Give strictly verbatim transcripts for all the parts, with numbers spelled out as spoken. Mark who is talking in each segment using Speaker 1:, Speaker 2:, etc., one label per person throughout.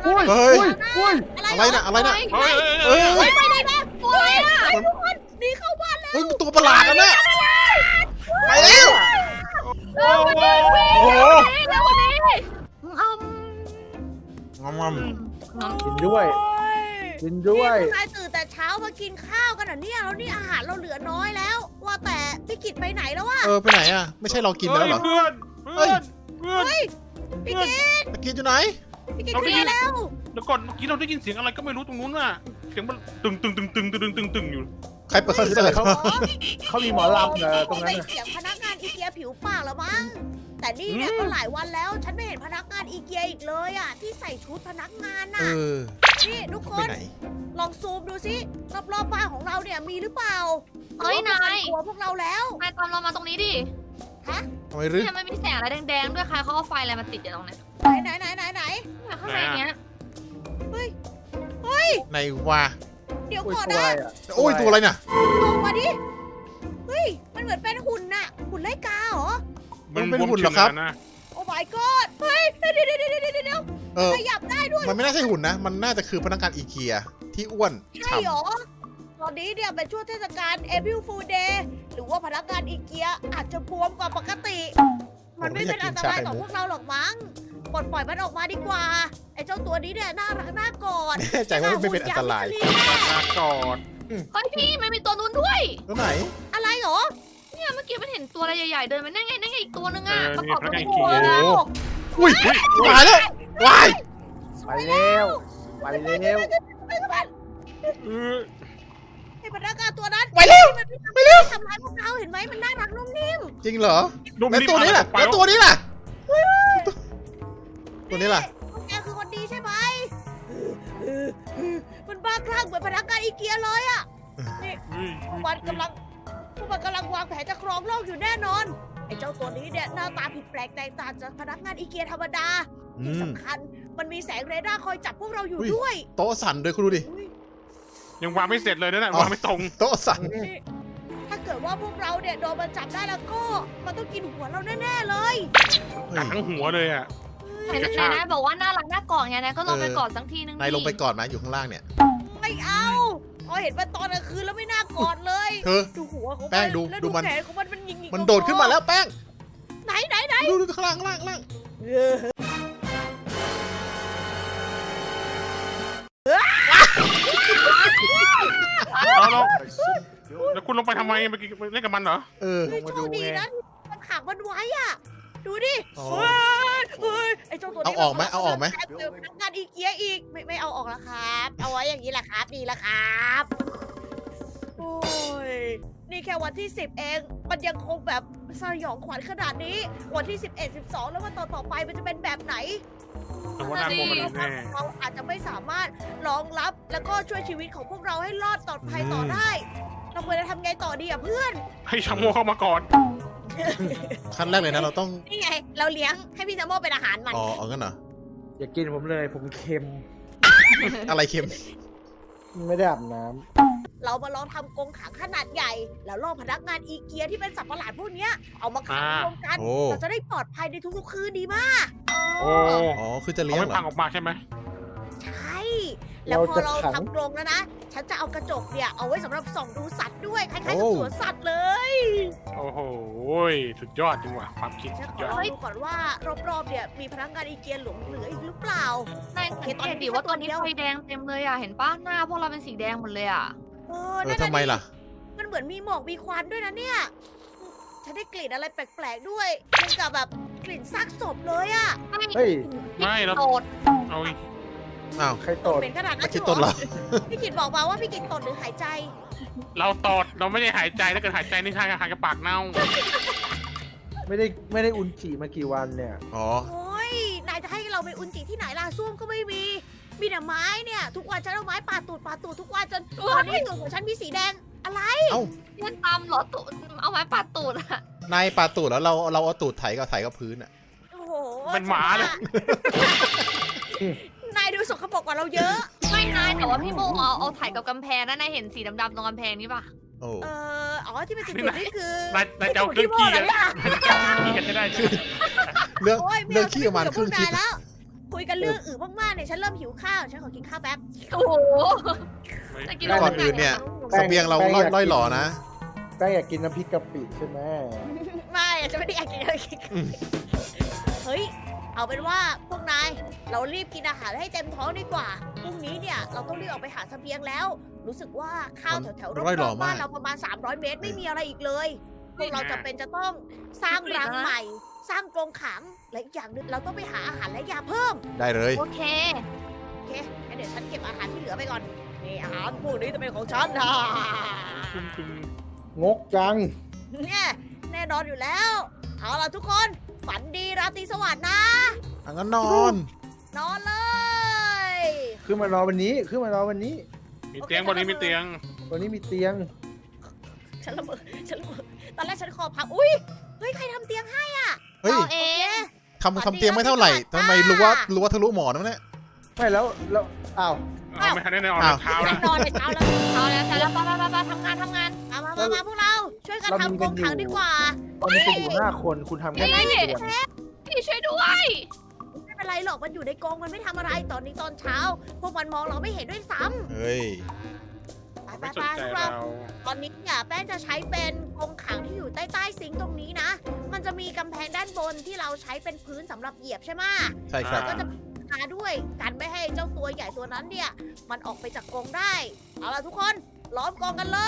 Speaker 1: เฮ้ย
Speaker 2: เฮ้ย
Speaker 1: เฮ้ย
Speaker 2: อะไรน่ะอะไรน่ะ
Speaker 3: เฮ้ย
Speaker 2: เอ้ย
Speaker 4: ไปไปไหนมาโอ้ยอ่ะ
Speaker 2: มัน
Speaker 4: ทุกคนหนีเข้าบ้านแล้ว
Speaker 2: เฮ้ยมันตัวประหลาดนะเนี่ยไปแล้ว
Speaker 3: โอ้โห
Speaker 2: โอ้โห
Speaker 4: แล้ววันนี้อืม
Speaker 2: งอมงอม
Speaker 1: กินด้วยกินด้วย
Speaker 4: นี่พวกนายตื่นแต่เช้ามากินข้าวกันเหรอเนี่ยแล้วนี่อาหารเราเหลือน้อยแล้ว ว่าแต่พี่กิตไปไหนแล้ววะ
Speaker 2: เออไปไหนอ่ะไม่ใช่เรากินแล้วเหรอ
Speaker 3: เพื่อนเพื่อนเพื่อน
Speaker 4: เฮ้ยพี่กิต
Speaker 2: ตะกินอยู่ไหน
Speaker 4: พี่กิต
Speaker 3: เรา
Speaker 4: ไป
Speaker 3: ได้ยิน
Speaker 4: แล้ว
Speaker 3: แล้วก่อนเมื่อกี้เราได้ยินเสียงอะไรก็ไม่รู้ตรงนู้นน่ะเสียงมันตึงตึงตึงตึงตึงตึงตึงอยู่
Speaker 2: ใครเปิดคอนเสิร์ต
Speaker 1: เขา
Speaker 2: วะ
Speaker 1: เขามีหมอลำเนอะตรงนั้น
Speaker 4: ไม่
Speaker 1: น่ะ
Speaker 4: เสียงพนักงานอีเกียผิวปากแล้วมั้งแต่นี่เนี่ยก็หลายวันแล้ว ฉันไม่เห็นพนักงานอีเกียอีกเลยอ่ะที่ใส่ชุดพนักงาน
Speaker 2: เอ
Speaker 4: น่ะ
Speaker 2: อ
Speaker 4: นี่ทุกค
Speaker 2: ไป
Speaker 4: น
Speaker 2: ไหน
Speaker 4: ลองซูมดูสิรอบๆบ้านของเราเนี่ยมีหรือเปล่า
Speaker 5: เฮ้ยนาย
Speaker 4: กลัวพวกเราแล้ว
Speaker 5: นายตามเรามาตรงนี้ดิ
Speaker 2: ทำไมรึ
Speaker 5: เนี่ยมันมีแสงอะไรแดงๆด้วยใครเขาเอาไฟอะไรมาติดอยู่ตรงเนี้ย
Speaker 4: ไหนไหนไหนไหนไหน
Speaker 5: เนี่ยข้างในเนี้ย
Speaker 4: เฮ้ยเฮ้ย
Speaker 2: ไหนวะ
Speaker 4: เดี๋ยว
Speaker 1: อุ้ย
Speaker 4: ก่อน
Speaker 1: ตัว
Speaker 4: นะ
Speaker 1: อะไรอ่ะ
Speaker 2: โอ้ยตัวอะไรน่ะ
Speaker 4: ลงมาดิเฮ้ยมันเหมือนเป็นหุ่นน่ะหุ่นไล่กาเหรอ
Speaker 2: มันเป็นหุ่นเหรอครับ
Speaker 3: นะ
Speaker 4: โอ้ my god เฮ้ยเดี๋ยวเดี๋ยวเดี๋ยวเดี๋ยวเดี๋ยว
Speaker 2: เออ
Speaker 4: ขยับได้ด้วย
Speaker 2: มันไม่น่าใช่หุ่นนะ มันน่าจะคือพนักงานอีเกียที่อ้วน
Speaker 4: ใช่
Speaker 2: ฉ่
Speaker 4: เหรอตอนนี้เนี่ยเป็นช่วงเทศกาล April Fool Day หรือว่าพนักงานอีเกียอาจจะบวมกว่าปกติ
Speaker 2: ำ
Speaker 4: มันไม่เป็นอันตรายต่อพวกเราหรอกมั้งปลดปล่อยมันออกมาดีกว่า ไอ้เจ้าตัวนี้เนี่ยน่ารักน่ากอด
Speaker 2: แน่ใจว่าไม่เป็นอันตราย
Speaker 3: ลากอด
Speaker 5: เฮ้ยพี่มันมีตัวนู้นด้วย
Speaker 2: ตัวไหน
Speaker 4: อะไรเหรอ
Speaker 5: เนี่ยเมื่อกี้มันเห็นตัวอะไรใหญ่ๆเดินมานั่นไงนั่นไงอีกตัวนึง
Speaker 3: เอ
Speaker 5: อ่ะ
Speaker 3: อ
Speaker 5: ประ
Speaker 3: นี่
Speaker 5: กอบ
Speaker 3: พนั
Speaker 5: กับ
Speaker 3: กงาน
Speaker 5: หั
Speaker 3: ขี่
Speaker 5: ว
Speaker 2: โอ้
Speaker 5: แล้ว
Speaker 2: อุ้ยตายแล้ววาย
Speaker 1: ไปแล้วไปแล้ว
Speaker 3: เออ
Speaker 4: ไอ้พนักงานตัวนั้น
Speaker 2: ไปเร็ว
Speaker 4: มันไม่ทำทำร้ายพวกเราเห็นไหมมันน่ารักนุ่มนิ่ม
Speaker 2: จริงเหรอ
Speaker 3: นุ่ม
Speaker 2: แล้ว
Speaker 3: นิ่ม
Speaker 2: ตัวนี้ล่ะ
Speaker 3: ไป
Speaker 2: แล้วตัวนี้ล่ะ ตัวนี้ล่ะ
Speaker 4: พวกแกคือคนดีใช่ไหมมันบ้าคลั่งเหมือนพนักงานอีเกียเลยอะนี่
Speaker 3: เฮ้ย
Speaker 4: พวกมันกำลังพวกมันกำลังวางแผนจะครองโลกอยู่แน่นอน ไอ้เจ้าตัวนี้เนี่ยหน้าตาผิดแปลกแตกต่างจากพนักงานอีเกียธรรมดา
Speaker 2: อื
Speaker 4: ที่
Speaker 2: ม
Speaker 4: สำคัญมันมีแสงเรดาร์คอยจับพวกเราอยู่
Speaker 2: อุ้ย
Speaker 4: ด้วย
Speaker 2: โต๊ะสั่นด้วยคุณดูดิ
Speaker 4: อุ๊ย
Speaker 3: ยังวางไม่เสร็จเลยนะน่ะ
Speaker 2: อ๋อ
Speaker 3: วางไม่ตรง
Speaker 2: โต๊ะสั่น
Speaker 4: นี่ถ้าเกิดว่าพวกเราเนี่ยโดนมันจับได้แล้วก็ มันต้องกินหัวเราแน่ๆเลย
Speaker 3: กัดทั้งหัวเลยอ่ะ
Speaker 5: เห็นนายนายบอกว่าน่ารักน่ากอดไงนายก็ลองไปกอดสักทีนึง
Speaker 2: นายลงไป
Speaker 5: ดิ
Speaker 2: ก่อนไหมอยู่ข้างล่างเนี่ย
Speaker 4: ไม่เอาพอเห็นมันตอนกลางคืนแล้วไม่น่ากอดเลย
Speaker 2: เธอ
Speaker 4: ดูหัวของ
Speaker 2: แป้
Speaker 4: มั
Speaker 2: ง
Speaker 4: น
Speaker 2: ดู
Speaker 4: แล้ว
Speaker 2: ดู
Speaker 4: ดู
Speaker 2: มัน
Speaker 4: แขนของมันมันยิงๆ
Speaker 2: มันโดดขึ้นมาแล้วแป้ง
Speaker 4: ไหนไหนไหน
Speaker 2: ดูดูข้างล่างข้างล่างข้างล่าง
Speaker 3: แล้วเราแล้วคุณลงไปทำไมเมื่อกี้เล่นกับมันเหรอ
Speaker 2: เออ
Speaker 4: เฮ้ยโชคดีนะมันขังมันไว้อ่ะ ดูดิ
Speaker 2: อ๋อ
Speaker 4: เฮ้ยเฮ้ยไอ้เจ้าตัวนี้
Speaker 2: เอาออกไหมเอาออกไหม
Speaker 4: แอบเจอพนักงานอีเกียอีก ไม่ไม่เอาออกแล้วครับ เอาไว้อย่างนี้แหละครับดีแล้วครับ โอ้ย นี่แค่วันที่สิบเอง มันยังคงแบบสยองขวัญขนาดนี้ วันที่สิบเอ็ด สิบสองแล้ววันต่อต่อๆไปมันจะเป็นแบบไหน
Speaker 3: แต่ว่าน่ากลัวกว่านี้แน่
Speaker 4: เราอาจจะไม่สามารถรองรับแล้วก็ช่วยชีวิตของพวกเราให้รอดปลอดภัยต่อได้ เราควรจะทำไงต่อดีอ่ะเพื่อน
Speaker 3: ให้ชาโมเข้ามาก่อน
Speaker 2: ขั้นแรกเลยนะเราต้อง
Speaker 4: นี่ไง เราเลี้ยงให้พี่จาโมเป็นอาหารมัน
Speaker 2: อ๋อเอางั้นเหรอ
Speaker 1: อย่ากินผมเลยผมเค็ม
Speaker 2: อะไรเค็ม
Speaker 1: ไม่ได้อาบน้
Speaker 4: เรามาลองทำกรงขังขนาดใหญ่ แล้วล่อพนักงานอีเกียที่เป็นสัตว์ประหลาดพวกเนี้ยเอามาขังรวมกัน
Speaker 2: โอ้
Speaker 4: เราจะได้ปลอดภัยในทุกๆคืนดีมาก
Speaker 3: โอ้
Speaker 2: อ๋อคือจะ
Speaker 3: เขา
Speaker 2: เลี้ยง
Speaker 3: ไม่
Speaker 2: เหร
Speaker 3: พั
Speaker 2: อง
Speaker 3: ออกมาใช่ไหม
Speaker 4: ใช่ แล้วพอเราทำกรงแล้วนะ ฉันจะเอากระจกเนี่ยเอาไว้สำหรับส่องดูสัตว์ด้วยคล้ายๆกับสวนสัตว์เลย
Speaker 3: โอ้โหสุดยอดจริงว่ะความคิด
Speaker 4: ฉัน
Speaker 3: สุด
Speaker 4: ข
Speaker 3: ย
Speaker 4: อ
Speaker 3: อด
Speaker 4: ดูก่อนว่ารอบๆเนี่ยมีพนักงานอีเกียหลงเหลืออีกหรือเปล่า
Speaker 5: นายสังเกตดิว่าตอนนี้ไฟแดงเต็มเลยอ่ะเห็นปะหน้าพวกเราเป็นสีแดงหมดเลยอ่ะ
Speaker 4: เออ
Speaker 2: เออ
Speaker 4: นั่นน่ะ
Speaker 2: ทำไม
Speaker 4: ดิ
Speaker 2: ล่ะ
Speaker 4: มันเหมือนมีหมอกมีควันด้วยนะเนี่ย ฉันได้กลิ่นอะไรแปลกๆด้วยเหมือนกับแบบกลิ่นซากศพเลยอะ
Speaker 1: ำเฮ้ย
Speaker 3: ไม่เรา
Speaker 5: โดด
Speaker 3: เอาอีก
Speaker 2: อ้าว
Speaker 1: ใครตด
Speaker 4: เป็นขนาดนั้
Speaker 2: ไม่
Speaker 4: น
Speaker 2: คิด
Speaker 4: ใช่
Speaker 2: ต้น
Speaker 4: เหร
Speaker 2: เหร
Speaker 4: อ
Speaker 2: อ
Speaker 4: พี่กิตบอกมาว่าพี่กิตตดหรือหายใจ
Speaker 3: เราตอดเราไม่ได้หายใจถ้าเกิดหายใจนี่ทางอาหารกับปากเน่า
Speaker 1: ไม่ได้ไม่ได้อุนจิมากี่วันเนี่ย
Speaker 2: อ๋อ
Speaker 4: โอ้ย นายจะให้เราไปอุนจิที่ไหนล่ะส้วมก็ไม่มี มีแต่ไม้เนี่ย ทุกวันฉันเอาไม้ปาดตูดปาดตูดทุกวันจนตอนนี้ตูดของฉันมีสีแดง อะไร
Speaker 2: เอ้า
Speaker 5: เพื่อนตามเหรอตูดเอาไม้ปัดตูดอ่ะ
Speaker 2: นายปาตูดแล้วเราเราเอาตูดไถกับไถกับพื้นอ่ะ
Speaker 4: โอ้โห
Speaker 3: เป็นหมาเลย
Speaker 4: นายดูสกปรกกว่าเราเยอะ
Speaker 5: ไม่นายแต่ว่าพี่โมเอาเอาถ่ายกับกำแพงนะนายเห็นสีดำๆตรงกำแพงนี่ปะ
Speaker 2: โอ้
Speaker 4: เอออ๋อที่เป็นจุดๆนี่คือน
Speaker 3: ายนายจะเอาเครื่องขี้กันนายจะเอาเครื่องขี้กันให้ได้ใช่ไหม
Speaker 2: เรื่อง
Speaker 4: โอ้ยไม่
Speaker 2: เรื่อง
Speaker 4: เอา
Speaker 2: ขี้ประมาณครึ่ง
Speaker 4: คุ
Speaker 2: คลิ
Speaker 4: ย
Speaker 2: ป
Speaker 4: กับพวกนายแล้วคุยยกันเรื่องอื่นมากๆเนี่ยฉันเริ่มหิวข้าวฉันขอกินข้าวแป๊บ
Speaker 5: โอ้โห
Speaker 3: ไม่
Speaker 5: จะกิน
Speaker 2: ก่อนอื่นเนี่ยเสบียงเราล่อยล่อยหล่อนะ
Speaker 1: แป้งอยากกินน้ำพริกกะปิใช่ไหม
Speaker 4: ไม่ฉันไม่ได้อยากกินอะไรกินเฮ้ยเอาเป็นว่าพวกนายเรารีบกินอาหารให้เต็มท้องดีกว่าพรุ่งนี้เนี่ยเราต้องรีบออกไปหาเสบียงแล้ว รู้สึกว่าข้าวแถวๆร
Speaker 2: ร่อยหล่
Speaker 4: อ
Speaker 2: อบ
Speaker 4: ๆบ้าน
Speaker 2: มาก
Speaker 4: เราประมาณสามร้อยเมตรไม่มีอะไรอีกเลยพวกเราจะเป็นจะต้องสร้างรังใหม่ สร้างกรงขังและอีกอย่างหนึ่งเราต้องไปหาอาหารและยาเพิ่ม
Speaker 2: ได้เลย
Speaker 5: โอเค
Speaker 4: โอเคงั้นเดี๋ยวฉันเก็บอาหารที่เหลือไปก่อน นี่อาหารพวกนี้จะเป็นของฉันนะ
Speaker 3: จุ่มจุ่ม
Speaker 1: งกจัง
Speaker 4: เนี่ยแน่นอนอยู่แล้ว เอาล่ะทุกคน ฝันดีราตรีสวัสดิ์นะ
Speaker 2: อังั้นนอน
Speaker 4: นอนเลย
Speaker 1: ขึ้นมารอวันนี้ขึ้นมารอวันนี้
Speaker 3: มีเตียงบนนี้มีเตียง
Speaker 1: วันนี้มีเตียง
Speaker 4: ฉันละเมอฉันละเมอตอนแรกฉันคอพับ อุ้ย เฮ้ย ใครทำเตียงให้
Speaker 2: เฮ้ย
Speaker 5: เราเอง
Speaker 2: ทำทำเตียงไม่เท่าไหร่ทำไมรู้ว่ารู้ว่าทะลุหมอนนะเนี่ย
Speaker 1: ไม่แล้วแล้วอ้าว
Speaker 3: เอาไม่ทันได้ในออน
Speaker 2: อ้าว
Speaker 3: เท้า
Speaker 4: ฉั
Speaker 3: นะ
Speaker 4: นนอนในเช้าแล้ว
Speaker 5: เอาแล้วแต่แล้วไปไปไปไปทำงานทำงาน
Speaker 4: มามามามาพวกเรา ช่วยกันทำกรงขังดีกว่า
Speaker 1: ตอนนี้จะอยู่ห้าคนคุณทำแค่
Speaker 5: เฮ้ย
Speaker 1: เตียง
Speaker 5: พี่ช่วยด้วย
Speaker 4: ไม่เป็นไรหรอก มันอยู่ในกรงมันไม่ทำอะไร ตอนนี้ตอนเช้า พวกมันมองเราไม่เห็นด้วยซ้
Speaker 2: เฮ้ย
Speaker 4: ำไปไป
Speaker 3: ไม่ส
Speaker 4: ไป
Speaker 3: นใจ
Speaker 4: พวก
Speaker 3: เรา
Speaker 4: เรา ตอนนี้เนี่ยแป้งจะใช้เป็นกรงขังที่อยู่ใต้ใต้ซิงค์ตรงนี้นะ มันจะมีกำแพงด้านบนที่เราใช้เป็นพื้นสำหรับเหยียบใช่ไหม
Speaker 2: ใช่ครับ
Speaker 4: ก็จะมาด้วยกันไม่ให้เจ้าตัวใหญ่ตัวนั้นเนี่ย มันออกไปจากกรงได้ เอาล่ะทุกคนล้อมกรงกันเลย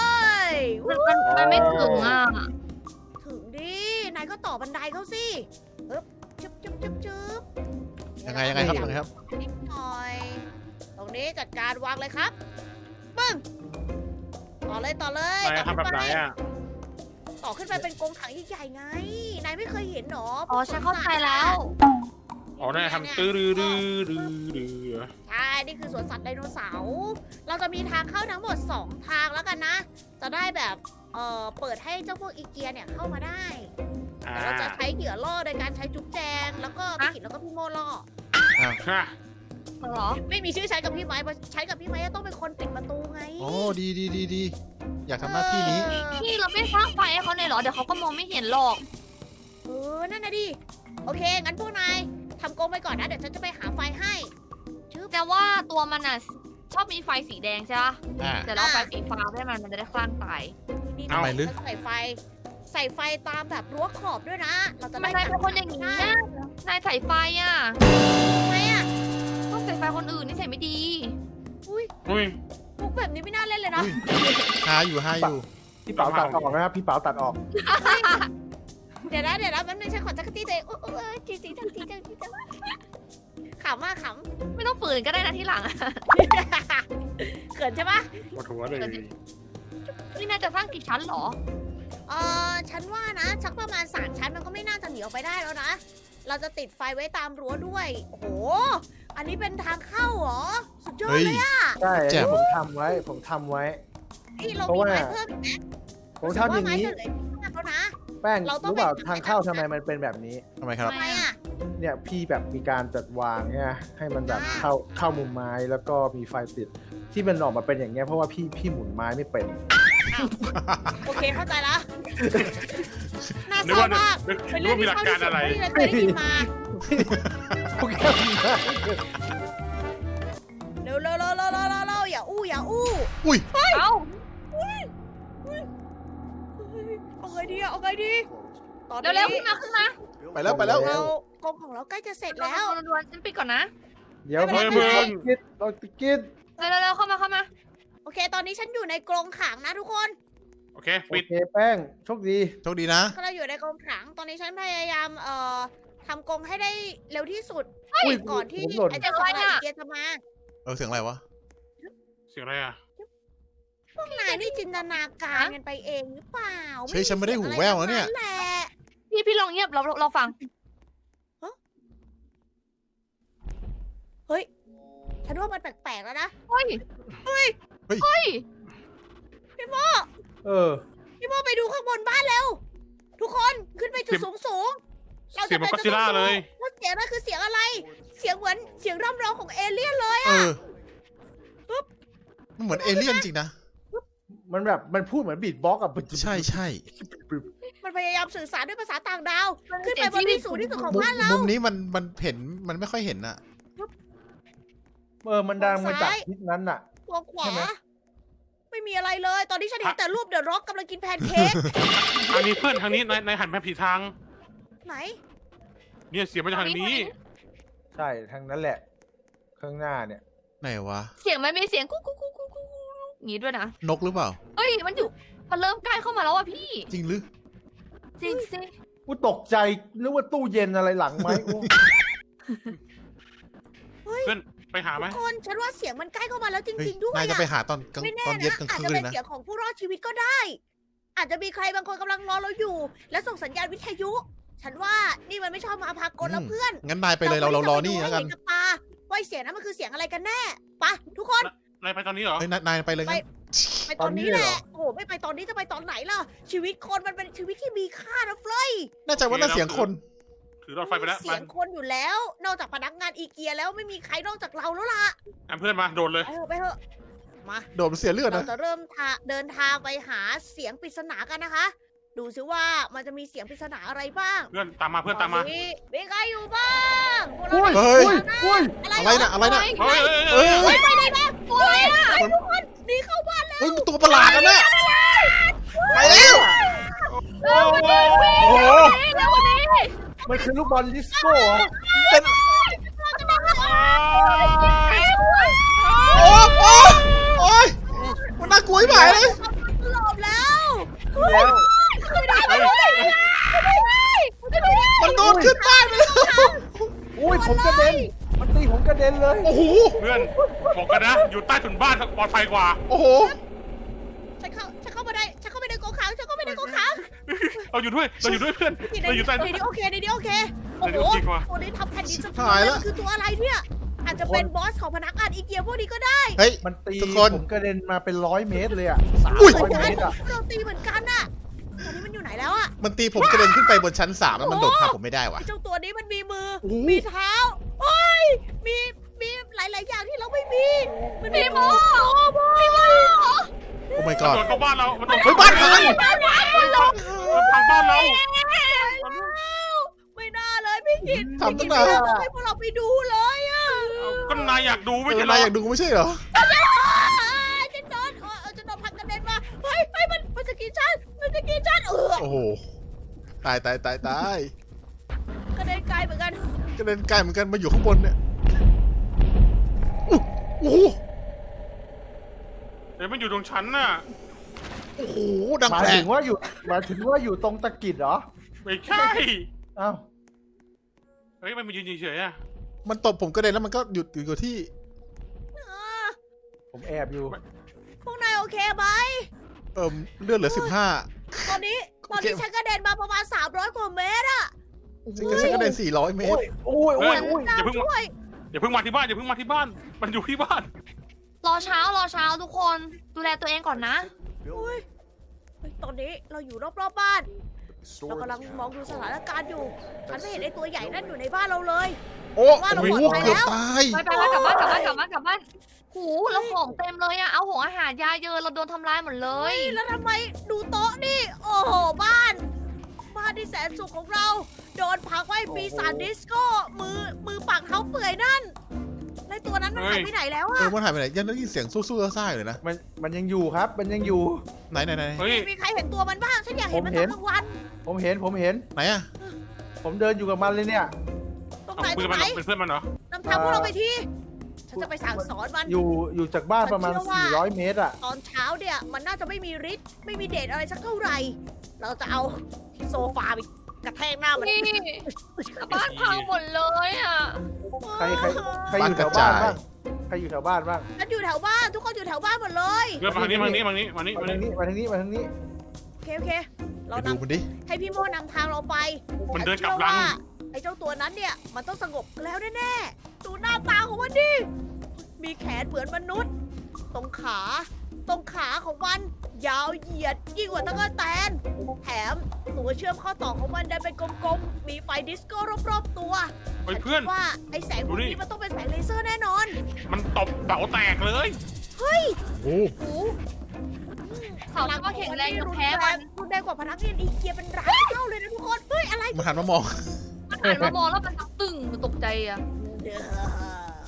Speaker 5: มันมันมันไม่ถึงอ่ะ
Speaker 4: ถึงดินายก็ต่อบันไดเขาสิปึ๊บจุ๊บจุ๊บจุ๊บจุ๊บ
Speaker 2: ยังไงยังไงครับยังไงครับ
Speaker 4: นิดหน่อย ตรงนี้จัดการวางเลยครับปึ้งต่อเลยต่อเลย
Speaker 3: นาย
Speaker 4: ต่อ
Speaker 3: ทำแบบไหนอ่ะ
Speaker 4: ต่อขึ้นไปเป็นกรงขังใหญ่ๆไง นายไม่เคยเห็นหรอ
Speaker 5: อ๋อฉันเข้าใจแล้ว
Speaker 3: อ๋อนายทำตื้อดื้อดื้อดื้อดื้อ
Speaker 4: ใช่ นี่คือสวนสัตว์ไดโนเสาร์ เราจะมีทางเข้าทั้งหมดสองทางแล้วกันนะ จะได้แบบ เอ่อ เปิดให้เจ้าพวกอีเกียเนี่ยเข้ามาได้
Speaker 3: อ่า
Speaker 4: แต่เราจะใช้เหยื่อล่อโดยการใช้จุ๊บแจง แล้วก็พี่กิจแล้วก็พี่โมล่อ
Speaker 3: ฮะ
Speaker 5: เหรอ
Speaker 4: ไม่มีชื่อใช้กับพี่ไม้เพราะใช้กับพี่ไม้จะต้องเป็นคนปิดประตูไง
Speaker 2: โอ้ดีดีดีดีอยากทำหน้าที่นี้
Speaker 4: เออ
Speaker 5: พี่เราไม่สร้างไฟให้เขาเลยเหรอ เดี๋ยวเขาก็มองไม่เห็นหรอก
Speaker 4: เออ นั่นนะดิ โอเค งั้นพวกนายทำกรงไปก่อนนะ เดี๋ยวฉันจะไปหาไฟให้
Speaker 5: แต่ว่าตัวมันอ่ะชอบมีไฟสีแดงใช่ปะ
Speaker 2: อ่า
Speaker 5: เดี๋ยวเราไฟสีฟ้าให้มันมันจะได้คลั่งตาย
Speaker 4: นี่
Speaker 2: ทำไมลึก
Speaker 4: ฉันใส่ไฟ ใส่ไฟตามแบบรั้วขอบด้วยนะ เราจะ
Speaker 5: ทำไม
Speaker 4: ได้
Speaker 5: นายเป็นคนอย่างนี้นะนายใส่ไฟอ่ะ
Speaker 4: ทำไมอ่ะ
Speaker 5: ต้องใส่ไฟคนอื่นนี่ใส่ไม่ดี
Speaker 4: อุ้ย
Speaker 3: อุ้ย
Speaker 4: มุกแบบนี้ไม่น่าเล่นเลยนะ
Speaker 2: หาอยู่หาอยู่
Speaker 1: พี่เป๋าตัดออกนะครับพี่เป๋าตัดออก
Speaker 4: เดี๋ยวนะเดี๋ยวนะแป๊บนึงฉันขอจักรตี้ตัวเองอุ๊ยอุ๊ยอุ๊ยจีจีจังจีจังจีจังขำมากข
Speaker 5: ไม่ต้องฝืนก็ได้นะที่หลังอะ
Speaker 4: ำ เขินใช่ปะ
Speaker 3: ปวดหัวเลย
Speaker 5: นี่นายจะสร้างกี่ชั้นเหรอ
Speaker 4: เออฉันว่านะชักประมาณสามชั้นมันก็ไม่น่าจะหนีออกไปได้แล้วนะ เราจะติดไฟไว้ตามรั้วด้วย โอ้โห อันนี้เป็นทางเข้าเหรอ สุดยอด
Speaker 2: เฮ้ย
Speaker 4: เลยอะ
Speaker 1: ใช่
Speaker 2: แจ่ม
Speaker 1: ผมทำไว้ ผมทำไว้
Speaker 4: นี่เรา
Speaker 1: เพราะ
Speaker 4: มี
Speaker 1: ว่า
Speaker 4: ไม้เพิ่มอีกไหม
Speaker 1: ผมทำอย่าง
Speaker 4: นี้
Speaker 1: นี้
Speaker 4: จะเหลืออีกมากแล้วนะ
Speaker 1: แป้ง
Speaker 4: เราต้อง
Speaker 1: รู้เปล่า
Speaker 4: ไป
Speaker 1: ทางเข้าทำไมมันเป็นแบบนี้
Speaker 2: ทำไมครับ
Speaker 4: ทำไมอะ
Speaker 1: เนี่ยพี่แบบมีการจัดวางเนี่ยให้มันแบบ
Speaker 4: อ่า
Speaker 1: เข้าเข้ามุมไม้แล้วก็มีไฟติด ที่มันออกมาเป็นอย่างเงี้ยเพราะว่าพี่พี่หมุนไม้ไม่เป็น
Speaker 4: โอเคเข้าใจละน่า
Speaker 3: นึก
Speaker 4: เศร้า
Speaker 3: ว่านึก
Speaker 4: มาก
Speaker 3: นึก
Speaker 4: เป็น
Speaker 3: นึก
Speaker 4: เรื่อง
Speaker 3: ว่ามี
Speaker 4: ที่
Speaker 3: หลัก
Speaker 4: เศร้า
Speaker 3: การ
Speaker 4: ที่สุด
Speaker 3: อะไร
Speaker 4: ที่เราเคยได้ยินมา
Speaker 1: โอเคได้
Speaker 4: เร็วเร็วเร็วเร็วเร็วเร็วเร็วอย่าอู้อย่าอู้
Speaker 2: อุ้ย
Speaker 5: เอ้า
Speaker 4: เอาไงดีอะเอาไงดีตอน
Speaker 5: เร็วๆ
Speaker 4: นี้
Speaker 5: ขึ้นมาขึ้นมา
Speaker 2: ไปแล้วไปแล้ว
Speaker 4: เรากรงของเราใกล้จะเสร็จแล้ว
Speaker 5: ดวนๆฉันปิดก่อนนะ
Speaker 1: เดี๋ยว
Speaker 4: ไม่
Speaker 1: พี่
Speaker 4: เป็นไร
Speaker 1: เรากิดเรากิด
Speaker 5: เร็วๆๆเข้ามาเข้ามา
Speaker 4: โอเค ตอนนี้ฉันอยู่ในกรงขังนะทุกคน
Speaker 3: โอเค
Speaker 1: โอ
Speaker 3: ปิด
Speaker 1: เคแป้งโชคดี
Speaker 2: โชคดีนะ
Speaker 4: ก็เราอยู่ในกรงขัง ตอนนี้ฉันพยายามเอ่อทำกรงให้ได้เร็วที่สุด
Speaker 1: อุ้ย
Speaker 4: ก่อนที่
Speaker 1: ผมหล่น
Speaker 4: ไอ้เจ้าสัตว์อีเกียจะมา
Speaker 2: เออเสียงอะไรวะ
Speaker 3: เสียงอะไรอ่ะ
Speaker 4: พวกนายนี่จินตนาการกันไปเองหรือเปล่า
Speaker 2: เฮ้ยฉันไม่ได้หูแว่วนะเนี่ย
Speaker 4: แหละ
Speaker 5: พี่พี่ลองเงียบเราเราเราฟัง
Speaker 4: เฮ้ย ฉันว่ามันแปลกๆแล้วนะ
Speaker 5: เฮ้ย
Speaker 4: เฮ้ย
Speaker 2: เฮ้ย
Speaker 5: เฮ้ย
Speaker 4: พี่โม
Speaker 1: เออ
Speaker 4: พี่โมไปดูข้างบนบ้านแล้ว ทุกคนขึ้นไปจุดสูงสูงๆเรา
Speaker 3: เสีย
Speaker 4: จะ
Speaker 3: งมัน
Speaker 4: ไป
Speaker 3: ก็ซิล่าเลย
Speaker 4: ว่าเสียงนั่นคือเสียงอะไร เสียงเหมือนเสียงร่ำร้องของเอเลี่ยนเลย
Speaker 2: เออมันเหมือนเอเลี่ยนจริงนะ
Speaker 1: มันแบบมันพูดเหมือนบีทบ็อกซ์อะ
Speaker 2: ใช่ใช่
Speaker 4: มันพยายามสื่อสารด้วยภาษาต่างดาว ขึ้นไปบน
Speaker 5: เสียงที่
Speaker 4: ที่สูงที่สุดของ
Speaker 2: มุม
Speaker 4: บ้านเรา
Speaker 2: มุมนี้มันมันเห็นมันไม่ค่อยเห็นอะ
Speaker 4: ปึ๊บ
Speaker 1: เออมันดังมาจาก
Speaker 4: ซ้าย
Speaker 1: ทิศนั้นน่ะ
Speaker 4: ตัวขวา
Speaker 1: ใช่ไหม
Speaker 4: ไม่มีอะไรเลย ตอนนี้ฉันเห็นแต่รูปเดอะร็อกกำลังกินแพนเค้ก
Speaker 3: ทางนี้เพื่อนทางนี้นายนายหันไปผิดทาง
Speaker 4: ไหน
Speaker 3: เนี่ยเสียงมาจากทางนี้
Speaker 1: ใช่ทางนั้นแหละ ข้างหน้าเนี่ย
Speaker 2: ไหนวะ
Speaker 5: เสียงมันมีเสียงกุ๊กกุ๊กกุ๊กกุ๊กกุ๊กอย่างงี้ด้วยนะ
Speaker 2: นกหรือเปล่า
Speaker 5: เฮ้ยมันอยู่มันเริ่มใกล้เข้ามาแล้วอ่ะพี่
Speaker 2: จริงหรือ
Speaker 5: จริงสิ
Speaker 1: กูตกใจนึกว่าตู้เย็นอะไรหลังไหมโอ้
Speaker 3: เพื่อนไปหาไหม
Speaker 4: ทุกคนฉันว่าเสียงมันใกล้เข้ามาแล้วจ
Speaker 2: เฮ้ย
Speaker 4: ริง ๆ ด้วย
Speaker 2: นายจะ
Speaker 4: อะ
Speaker 2: ไปหาตอนกลาง
Speaker 4: ไม่แน่
Speaker 2: ตอนเย็น
Speaker 4: นะ
Speaker 2: กลาง
Speaker 4: อาจ
Speaker 2: คื
Speaker 4: จะ
Speaker 2: นเล
Speaker 4: เป็น
Speaker 2: ยนะ
Speaker 4: เสียงของผู้รอดชีวิตก็ได้ อาจจะมีใครบางคนกำลังรอเราอยู่ และส่งสัญญาณวิทยุ ฉันว่านี่มันไม่ชอบมาพากลแล้วเพื่อน
Speaker 2: งั้นนายไปเลยเราเรารอนี่
Speaker 4: แล้
Speaker 2: แล้ว ว
Speaker 4: กั
Speaker 2: กัน น
Speaker 4: ตาว่าเสียงนั้นมันคือเสียงอะไรกันแน่ไปะทุกคน
Speaker 3: นายไปตอนนี้เหรอ
Speaker 2: เฮ้ยนายนายไปเลยงั้น
Speaker 4: ไปตอนนี้แหละ โอ้โหไม่ไปตอนนี้จะไปตอนไหนล่ะ ชีวิตคนมันเป็นชีวิตที่มีค่านะเฟลย
Speaker 2: แน่ใจว่าน่าเสียงคน
Speaker 3: ถือรถไฟไปแล้ว
Speaker 4: เสียงคนอยู่แล้ว นอกจากพนักงานอีเกียแล้วไม่มีใครนอกจากเราแล้วล่ะ
Speaker 3: อ่ะเพื่อนมาโดดเลย
Speaker 4: ไปเถอะไปเถอะมา
Speaker 2: โดดเสียเลือด
Speaker 4: เรา
Speaker 2: นะ
Speaker 4: จะเริ่มทาเดินทางไปหาเสียงปริศนากันนะคะ ดูซิว่ามันจะมีเสียงปริศนาอะไรบ้าง
Speaker 3: เพื่อนตามมาเพื่อนตามมา
Speaker 4: ตมีใครอยู่บ้างพวกเรา
Speaker 1: อุ้ย
Speaker 2: เฮ้ย
Speaker 1: อุ้ย
Speaker 2: อะไรนะอะไรนะ
Speaker 3: เฮ้ยเฮ้ย
Speaker 2: เฮ้
Speaker 3: เฮ้
Speaker 2: ย
Speaker 3: ย
Speaker 4: ไปไหนบ้างโอ้ย
Speaker 2: มัน
Speaker 4: ทุกคนหนีเข้าบ้านแล้ว
Speaker 2: เฮ้ยมันตัวประหลาดนะเนี่ยไปแล้ว
Speaker 3: โอ้โห
Speaker 2: โอ้โห
Speaker 5: เร็วกว่านี้
Speaker 1: มันคือลูกบอลดิสโก้เหรอ
Speaker 2: เป็นโอ้โหโอ้ยมันน่ากลัวไหมเลย
Speaker 4: หลบแล้ว
Speaker 1: แล้ว
Speaker 2: มันโดนขึ้นบ้านไปแล้ว
Speaker 1: อุ้ยผมกระเด็น มันตีผมกระเด็นเลย
Speaker 2: โอ้โห
Speaker 3: เพื่อนบอกกันนะ อยู่ใต้ถุนบ้านปลอดภัยกว่า
Speaker 2: โอ้โห
Speaker 4: ฉันเข้าฉันเข้ามาได้ฉันเข้าไปในกรงขังฉันเข้าไปในกรงขัง
Speaker 3: เราอยู่ด้วยเราอยู่ด้วยเพื่อน
Speaker 4: ใน
Speaker 3: เราอยู่ใต้
Speaker 4: ในนี้โอเคในนี้โอเคโอ้
Speaker 3: ใน
Speaker 4: โห
Speaker 3: นี้โอเคกว่า
Speaker 4: ตัวนี้ทำแผ่นดินสะเทื
Speaker 2: หาย
Speaker 4: อน
Speaker 2: แล้ว
Speaker 4: มันคือตัวอะไรเนี่ย อาจจะเป็นบอสของพนักงานอีเกียพวกนี้ก็ได้
Speaker 2: เฮ้ย
Speaker 1: มันตี
Speaker 2: ทุกคน
Speaker 1: ผมกระเด็นมาเป็นร้อยเมตรเลยอ่ะสาม
Speaker 2: อุ้ย
Speaker 1: ร้อยเมตรอ่ะ
Speaker 4: โจมตีเหมือนกันน่ะตอนนี้มันอยู่ไหนแล้วอะ
Speaker 2: มันตีผมกระเด็นขึ้นไปบนชั้นสามแล้วมันโดดข้ามผมไม่ได้ว่ะ
Speaker 4: ไอ้เจ้าตัวนี้มันมีมือ
Speaker 2: โอ้โห
Speaker 4: มีเท้าโอ้ยมีมีหลาย ๆ อย่างที่เราไม่มีมันมีโมมีโม
Speaker 2: โอ้ my
Speaker 3: มัน
Speaker 2: god
Speaker 3: โดดเข้าบ้านเรา มันโดด
Speaker 2: เฮ้ยบ้านพัง
Speaker 3: มันพังบ้านเรา
Speaker 4: ไม่น่าเลยพี่กิต
Speaker 2: ทำตั้ง
Speaker 4: พี่
Speaker 2: นาน
Speaker 4: กิตไม่ให้พวกเราไปดูเลยอะ
Speaker 3: ก็นายอยากดูไม่
Speaker 2: เอ
Speaker 3: ใช่
Speaker 2: อ
Speaker 3: เหร
Speaker 2: นาย
Speaker 3: อ
Speaker 2: อยากดูไม่ใช่เหรอ
Speaker 4: จะโดนเออจะโดนพักกระเด็นมาเฮ้ยเฮ้ยมันมันจะกินฉันมันจะกินฉันเออ
Speaker 2: โอ้โห ตายตายตายตาย
Speaker 4: กระเด็นไกลเหมือนกัน
Speaker 2: กระเด็นไกลเหมือนกันมาอยู่ข้างบนเนี่ยอุ๊ยโอ้โห
Speaker 3: เดี๋ยวมันอยู่ตรงชั้นน่ะ
Speaker 2: โอ้โห ดัง
Speaker 1: หมาย
Speaker 2: แปล
Speaker 1: ถึ
Speaker 2: ก
Speaker 1: งว่าอยู่หมายถึงว่าอยู่ตรงตะกิดเหรอ
Speaker 3: ไม่ใช่
Speaker 1: อ้าว
Speaker 3: เฮ้ยมันมายืนเฉยๆอ่ะ
Speaker 2: มันตบผมกระเด็นแล้วมันก็หยุดอยู่กับที่
Speaker 4: เออ
Speaker 1: ผมแอบอยู่
Speaker 4: พวกนายโอเคไหม
Speaker 2: เอิ่มเลือดเหลือสิบห้า
Speaker 4: ตอนนี้ตอนนี้ฉันกระเด็นมาประมาณสามร้อยกว่าเมตรอะ
Speaker 2: ฉันก็ฉันกระเด็นสี่ร้อยเมต
Speaker 1: โอ้
Speaker 2: ร
Speaker 1: ยโอ้ยโอ้ยโอ้ย
Speaker 3: อย่าเพิ่งมา
Speaker 4: ช่วย
Speaker 3: อย่าเพิ่งมาที่บ้านอย่าเพิ่งมาที่บ้าน มันอยู่ที่บ้าน
Speaker 5: รอเช้ารอเช้าทุกคนดูแลตัวเองก่อนนะ
Speaker 4: โอ้ยเฮ้ยตอนนี้เราอยู่รอบๆบ้าน เรากำลังมองดูสถานการณ์อยู่ ฉันไม่เห็นไอ้ตัวใหญ่นั่นอยู่ในบ้านเราเลย
Speaker 2: โอ้
Speaker 4: ว่าเรา
Speaker 2: โห
Speaker 4: ปลอดภัย
Speaker 2: เกือบ
Speaker 4: แล้ว
Speaker 2: ตาย
Speaker 5: ไปไปไปกลับบ้านกลับบ้านกลับบ้านกลับบ้านหูแล้วของเต็มเลยอะเอาของอาหารยาเยอะเราโดนทำร้ายหมดเล
Speaker 4: เฮ้
Speaker 5: ย
Speaker 4: ยแล้วทำไมดูโต๊ะนี่ โอ้โหบ้าน บ้านที่แสนสุขของเรา โดนพักไว้ปีศาจดิสโก้ มือมือปากเท้าเปื่อยนั่นแล้วตัวนั้นมันหายไปไหนแล้ว
Speaker 2: เอ
Speaker 4: อะ
Speaker 2: อมันหายไปไหนยังได้ยินเสียงสู้ๆซ่าๆอยู่เลยนะ
Speaker 1: มันมันยังอยู่ครับ มันยังอยู่
Speaker 2: ไหนไหนไหน
Speaker 3: เฮ้ย
Speaker 4: มีใครเห็นตัวมันบ้าง ฉันอยากเห็นมัน
Speaker 1: ผมเห็
Speaker 4: ตอน
Speaker 1: น
Speaker 4: กลางวัน
Speaker 1: ผมเห็นผมเห็น
Speaker 2: ไหนอะ
Speaker 1: ผมเดินอยู่กับมันเลยเนี่ย
Speaker 4: ตรง
Speaker 3: เอา
Speaker 4: ไหน
Speaker 3: คุ
Speaker 4: ต
Speaker 3: ย
Speaker 4: ร
Speaker 3: กับ
Speaker 4: ง
Speaker 3: มัน
Speaker 4: ไหน
Speaker 3: เป็นเพื่อนมันเหรอ
Speaker 4: นำทางพวกเราไปทีฉันจะไปสั่งสอนมัน
Speaker 1: อยู่อยู่จากบ้านประมาณ
Speaker 4: ผมเชื่อว่า
Speaker 1: สี่ร้อยเมตรอ่ะ
Speaker 4: ตอนเช้าเนี่ยมันน่าจะไม่มีฤทธิ์ไม่มีเดชอะไรสักเท่าไหร่ เราจะเอาโซฟาไปกระแทกหน้ามัน
Speaker 5: นี่บ้านพังหมดเลยอะ
Speaker 1: ใครใครใครอยู่แถวบ้านบ้างใครอยู่แถวบ้านบ้าง
Speaker 4: ฉันอยู่แถวบ้านทุกคนอยู่แถวบ้านหมดเลย
Speaker 3: เพื่อนมาทางนี้มาทางนี้มาทางนี้มาทางนี้
Speaker 1: มา
Speaker 3: มา
Speaker 1: ทา
Speaker 3: ทาง งนี้
Speaker 1: นี้มาทางนี้มาทางนี้
Speaker 4: โอเคโอเค เรา
Speaker 2: ไป
Speaker 4: น
Speaker 2: ดูมันดิ
Speaker 4: ำให้พี่โมนำทางเราไป
Speaker 3: มันเดินกลับ
Speaker 4: ฉั
Speaker 3: หลัง
Speaker 4: เชื่อว่าไอ้เจ้าตัวนั้นเนี่ยมันต้องสงบแล้วแน่ๆดูหน้าตาของมันดิมีแขนเหมือนมนุษย์ ตรงขา ตรงขาของมัน ยาวเหยียดยิ่งกว่าตะกั่วแตนแถมตัวเชื่อมข้อต่อของมันดันเป็นกลมๆมีไฟดิสโก้รอบๆตัว
Speaker 3: เฮ้ยเพื่อน
Speaker 4: ฉัคิดว่าไอ้แสงพวก
Speaker 3: ดู
Speaker 4: นี้
Speaker 3: ดิ
Speaker 4: มันต้องเป็นแสงเลเซอร์แน่นอน
Speaker 3: มันตบเต๋าแตกเลย
Speaker 4: เฮ้ย
Speaker 2: โอ้
Speaker 4: โอ้
Speaker 5: เสาก็แข็งแรงจะแพ้มัน
Speaker 4: รุนแรงกว่าพนักงานอีเกียเป็นร้านเท่าเลยนะทุกคน เฮ้ย อะไร
Speaker 2: มันหันมามอง
Speaker 5: มันหันมามองแล้วมันตึงมันตกใจอะ
Speaker 4: เด้อ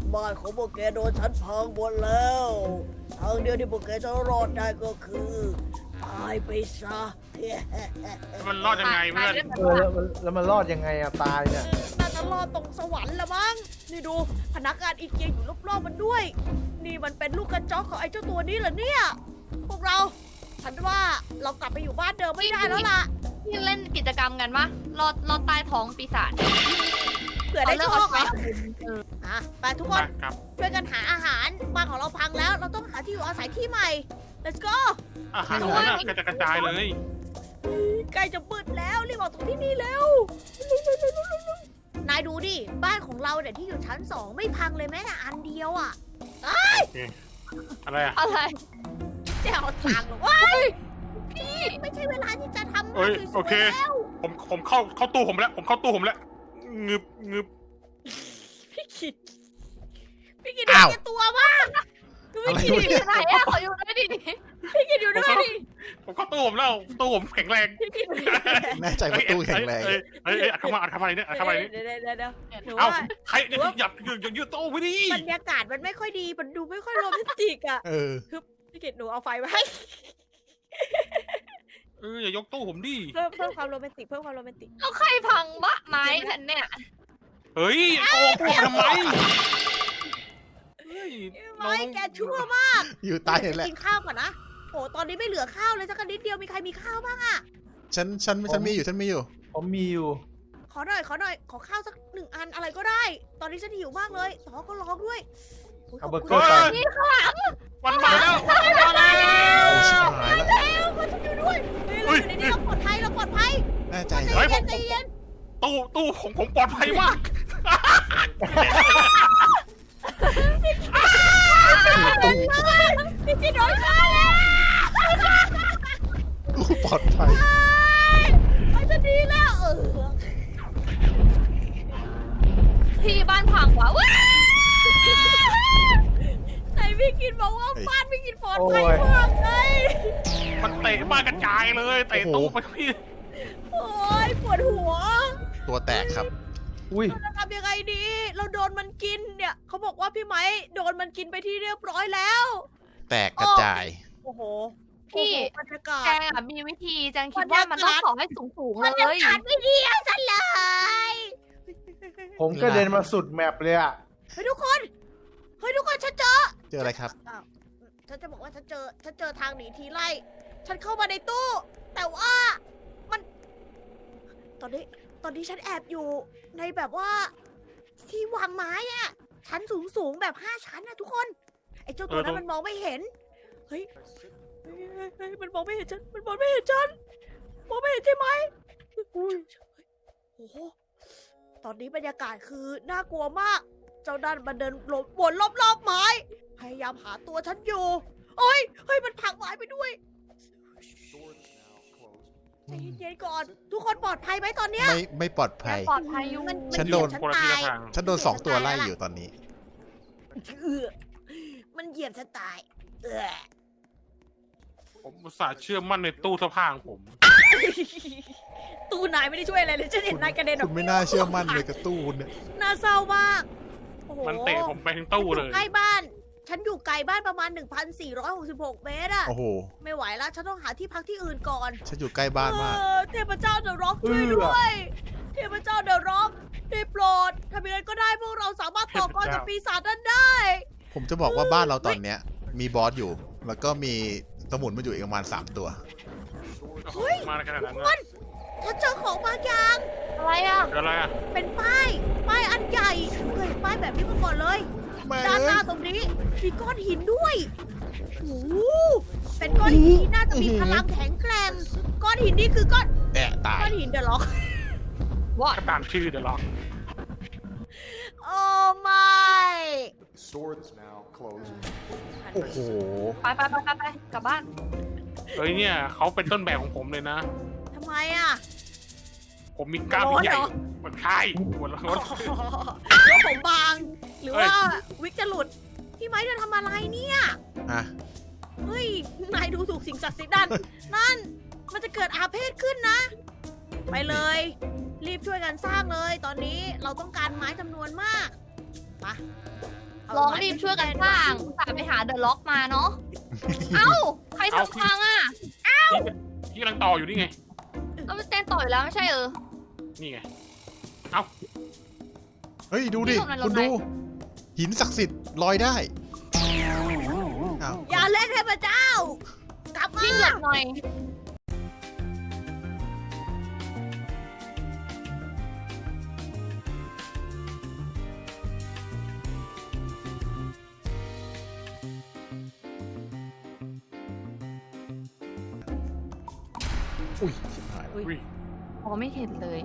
Speaker 4: บ้านของพวกแกโดนฉันพังหมดแล้วทางเดียวที่พวกแกจะรอดได้ก็คือตายไปซะ
Speaker 3: มันรอดยังไงเพื่อน
Speaker 1: เออแล้วมันแล้วมันรอดยังไงอะตายเนี่ย
Speaker 4: น่าจะรอดตรงสวรรค์ละมั้งนี่ดูพนักงานอีเกียอยู่รอบๆมันด้วย นี่มันเป็นลูกกระจอกของไอ้เจ้าตัวนี้เหรอเนี่ยพวกเราฉันว่าเรากลับไปอยู่บ้านเดิมไม่ได้แล้วล่ะ
Speaker 5: ที่เล่นกิจกรรมกันปะรอดรอดใต้ท้องปีศาจ
Speaker 4: เผื่อได้โชค
Speaker 5: เอา
Speaker 4: อ่ะ
Speaker 5: เรื่องเอา
Speaker 4: อ่ะไปทุกค
Speaker 3: ไป
Speaker 4: น
Speaker 3: ครับ
Speaker 4: ช่วยกันหาอาหารบ้านของเราพังแล้ว เราต้องหาที่อยู่อาศัยที่ใหม่ let's go
Speaker 3: อาหารนั้นน่ะกระจายกระจายเลย
Speaker 4: ใกล้จะมืดแล้วรีบออกจากที่นี่แล้วนายดูดิบ้านของเราเนี่ยที่อยู่ชั้นสองไม่พังเลยแม้แต่อันเดียวอ่ะ
Speaker 3: อะไรอ่ะ
Speaker 5: อะไร
Speaker 4: จะเอาทางเหรอวะพี่ไม่ใช่เวลาที่จะทำ
Speaker 3: เอ้ย
Speaker 4: สวยๆ
Speaker 3: โอเค
Speaker 4: แล้ว
Speaker 3: ผมผมเข้าเข้าตู้ผมแล้ว ผมเข้าตู้ผมแล้วงึบงึบ
Speaker 4: พี่กิดพี่กิด
Speaker 2: อ้าว
Speaker 4: เห็นตัวมาก
Speaker 2: อะไร
Speaker 4: พี่กิด
Speaker 2: วะ
Speaker 5: ไหนอะขออยู่ด้วยดิ
Speaker 4: พี่กิดอยู่ด้วยดิ
Speaker 3: ผมเข้าตู้ผมแล้วตู้ผมแข็งแรง
Speaker 4: พี่กิด
Speaker 2: แน่ใจว่าตู้แข็งแรง
Speaker 3: เอ้ยเอ้ยเอ้ยอัดเข้ามาอัดเข้ามาเนี่ยอัดเข้ามาเนี่ย
Speaker 4: เดี๋ยวเดี๋ยวเดี๋ยวเดี๋ยวหนู
Speaker 3: เอ้า
Speaker 4: ว่า
Speaker 3: ใครเนี่ยหยับหยุดหยุดหยุดตู้ไปดิ
Speaker 4: บรรยากาศมันไม่ค่อยดี มันดูไม่ค่อยโรแมนติกอ่ะ
Speaker 2: เออ
Speaker 4: พี่กิดหนูเอาไฟมาให้
Speaker 3: เอออย่ายกตู้ผมดิ
Speaker 4: เพิ่มเพิ่มความโรแมนติกเพิ่มความโรแมนติก
Speaker 5: แล้วใครพังบะไม้ฉันเนี่ย
Speaker 3: เฮ้ยโกงกูทำไมเฮ้ยน้อ
Speaker 4: ไม่
Speaker 3: ง
Speaker 4: แกชั่วมาก
Speaker 2: อยู่ใต้นี่แหละ
Speaker 4: กินข้าวก่อนนะโอ้ตอนนี้ไม่เหลือข้าวเลยสักนิดเดียวมีใครมีข้าวบ้างอ่ะ
Speaker 2: ฉันฉันฉันมีอยู่ฉันมีอยู่
Speaker 1: ผมมีอยู่
Speaker 4: ขอหน่อยขอหน่อยขอข้าวสักหนึ่งอันอะไรก็ได้ ตอนนี้ฉันหิวมากเลยท้องก็ร้องด้วยโย
Speaker 1: เอา
Speaker 4: ข
Speaker 1: เบอร์
Speaker 4: คุ
Speaker 1: เกอ
Speaker 4: ณ
Speaker 1: ร์ก่อน
Speaker 5: นี่ข้างหลัง
Speaker 3: วันมาแล้ววันมาแล้ว
Speaker 2: โอ้ชิบหายแล้ว
Speaker 4: แล้วมาช่วยด้วยเฮ้ยเราอยู่ในนี้เราปลอดภัยเราปลอดภัย
Speaker 2: แน่ใจ
Speaker 4: ใจ
Speaker 2: เหรอ
Speaker 4: เย็นใจเย็น
Speaker 3: ตู้ตู้ของผมปลอดภัยมาก
Speaker 4: พี่กินโดนฆ่าแล้ว
Speaker 2: ตู้ปลอดภัย
Speaker 4: ไปจะดีแล้วเออ
Speaker 5: พี่บ้านพังวะว้า
Speaker 4: ไหนพี่กินบอกว่าบ้านพี่กินปลอดภัย
Speaker 1: โอ้ย
Speaker 4: มากไง
Speaker 3: มันเตะบ้านกระจายเลยเตะตู้ไปพี่
Speaker 4: โอ้ยปวดหัว
Speaker 2: ตัวแตกครับ
Speaker 1: อุ้ย
Speaker 4: เราจะทำยังไงดี เราโดนมันกินเนี่ยเขาบอกว่าพี่ไม้โดนมันกินไปที่เรียบร้อยแล้ว
Speaker 2: แตกกระจาย
Speaker 4: โอ้โห
Speaker 5: พี่
Speaker 4: โอ้โหบรรยากา
Speaker 5: แจ
Speaker 4: ศ
Speaker 5: งอะมีวิธีแจงคิดว่ามันต้องขอให้สูงสูงๆ
Speaker 4: บร
Speaker 5: เล
Speaker 4: รยาย กาศไม่ดีอะฉันเลย
Speaker 1: ผมก็เดินมาสุดแมปเลยอะ
Speaker 4: เฮ้ยทุกคนเฮ้ยทุกคนฉันเจอ
Speaker 2: เจออะไรครับ
Speaker 4: อ้าวฉันจะบอกว่าฉันเจอ ฉันเจอทางหนีทีไล่ ฉันเข้ามาในตู้ แต่ว่ามัน ตอนนี้ ตอนนี้ฉันแอบอยู่ในแบบว่า ที่วางไม้อะชั้นสูงสูงๆแบบห้าชั้นนะทุกคน ไอ้เจ้าตัวนั้นมันมองไม่เห็น เฮ้ยเฮ้ยเฮ้ยเฮ้ยมันมองไม่เห็นฉัน มันมองไม่เห็นฉัน มองไม่เห็นใช่ไหมอุ้ยโอ้โห ตอนนี้บรรยากาศคือน่ากลัวมาก เจ้าด้านมันเดินวนรอบๆไม้ พยายามหาตัวฉันอยู่โอ้ย เฮ้ย มันผลักไม้ไปด้วยใจเย็นๆก่อน ทุกคนปลอดภัยไหมตอนเนี้ย
Speaker 2: ไม่ไม่ปลอดภัย
Speaker 5: ปลอดภัยอยู่
Speaker 4: มัน
Speaker 2: ฉัน
Speaker 4: เห
Speaker 2: โด
Speaker 4: ยีย
Speaker 2: น
Speaker 4: บฉัน
Speaker 3: คนละ
Speaker 4: ตา
Speaker 3: ที่
Speaker 4: ย
Speaker 3: ละทาง
Speaker 2: ฉันโดนสองตัวไล่อยู่ตอนนี้
Speaker 4: เออมันเหยียบฉันตาย เออ
Speaker 3: ผมอุตส่าห์เชื่อมั่นในตู้เสื้อผ้าของผม
Speaker 4: ตู้นายไม่ได้ช่วยอะไรเลยฉันเห็นนายกระเด็นอ
Speaker 2: คุ
Speaker 4: อก
Speaker 2: ณไม่น่าเชื่อมั่นเลยกับตู้เนี่ย
Speaker 4: น่าเศร้ามาก โอ้โห
Speaker 3: มันเตะผมไปทั้งตู้เล
Speaker 4: ฉัน
Speaker 3: ย
Speaker 4: อยู่ใกล้บ้าน ฉันอยู่ไกลบ้านประมาณ หนึ่งพันสี่ร้อยหกสิบหก เมตรอะ
Speaker 2: โอ้โห
Speaker 4: ไม่ไหวแล้ว ฉันต้องหาที่พักที่อื่นก่อน
Speaker 2: ฉันอยู่ใกล้บ้านมาก
Speaker 4: เออเทพเจ้าเดอะร็อกช่วยด้วย เทพเจ้าเดอะร็อกได้โปรดทำยังไงก็ได้พวกเราสามารถต่อกรกับปีศาจนั้นได้
Speaker 2: ผมจะบอกว่าบ้านเราตอนเนี้ย มีบอสอยู่ แล้วก็มีสมุนมาอยู่อีกประมาณสามตัว
Speaker 4: เฮ้ย
Speaker 3: มาขนาดนั้น
Speaker 4: ทุก
Speaker 3: นะ
Speaker 4: คนฉันเจอของบางอย่าง
Speaker 5: อะไรอ่ะ
Speaker 3: เดี๋ยวอะไรอ่ะ
Speaker 4: เป็นป้าย ป้ายอันใหญ่เคยเห็นป้ายแบบนี้มาก่อนเลย
Speaker 2: แม่
Speaker 4: ด้านห
Speaker 2: เอ้
Speaker 4: น้าย ตรงนี้มีก้อนหินด้วยโอ้โหเป็นก้อนหินที่น่าจะมีพลังแข็งแกร่ง ก้อนหินนี่คือก้อน
Speaker 2: แตะตาย
Speaker 4: ก้อนหินเดอะล็อก
Speaker 5: ว่า
Speaker 3: ก็ตามชื่อเดี๋ยวหรอก
Speaker 4: โอ้ไม่
Speaker 6: Swords now closed.
Speaker 2: โอ้โห
Speaker 5: ไปไปไปไปไปกลับบ้าน
Speaker 3: เฮ้ยเนี่ยเขาเป็นต้นแบบของผมเลยนะ
Speaker 4: ทำไมอ่ะ
Speaker 3: ผมมีกล้าม
Speaker 4: ร้อน
Speaker 3: ใหญ่
Speaker 4: เหรอ
Speaker 3: มันใช่หัวร้อน
Speaker 4: หรือว่าผมบาง หรือว่าวิกจะหลุด พี่ไม้จะทำอะไรเนี่ย
Speaker 2: อ่ะ
Speaker 4: เฮ้ย นายดูถูกสิ่งศักดิ์สิทธิ์นั่น นั่น มันจะเกิดอาเพศขึ้นนะ ไปเลย รีบช่วยกันสร้างเลย ตอนนี้เราต้องการไม้จำนวนมากมา
Speaker 5: ลองรีบช่วยกันสร้างอุตส่าห์ไปหาเดอะล็อกมาเนาะ เอ้า ใครทำพังอ่ะ
Speaker 3: ที่กำลังต่ออยู่นี่ไง
Speaker 5: เราไปเต้นต่ออยู่แล้วไม่ใช่เออ
Speaker 3: นี่ไง
Speaker 2: เฮ้ยดูดิ
Speaker 5: นี่ตรงนั้น
Speaker 2: คุณ
Speaker 5: ลงไหม
Speaker 2: ดู หินศักดิ์สิทธิ์ลอยได้อ้าว
Speaker 4: อย่าเล่นเทพเจ้ากลับมา
Speaker 5: วิ่งหลบหน่อย
Speaker 2: อุ้ยชิบหายแล้ว
Speaker 3: อุ้ย
Speaker 5: พอไม่เห็นเลย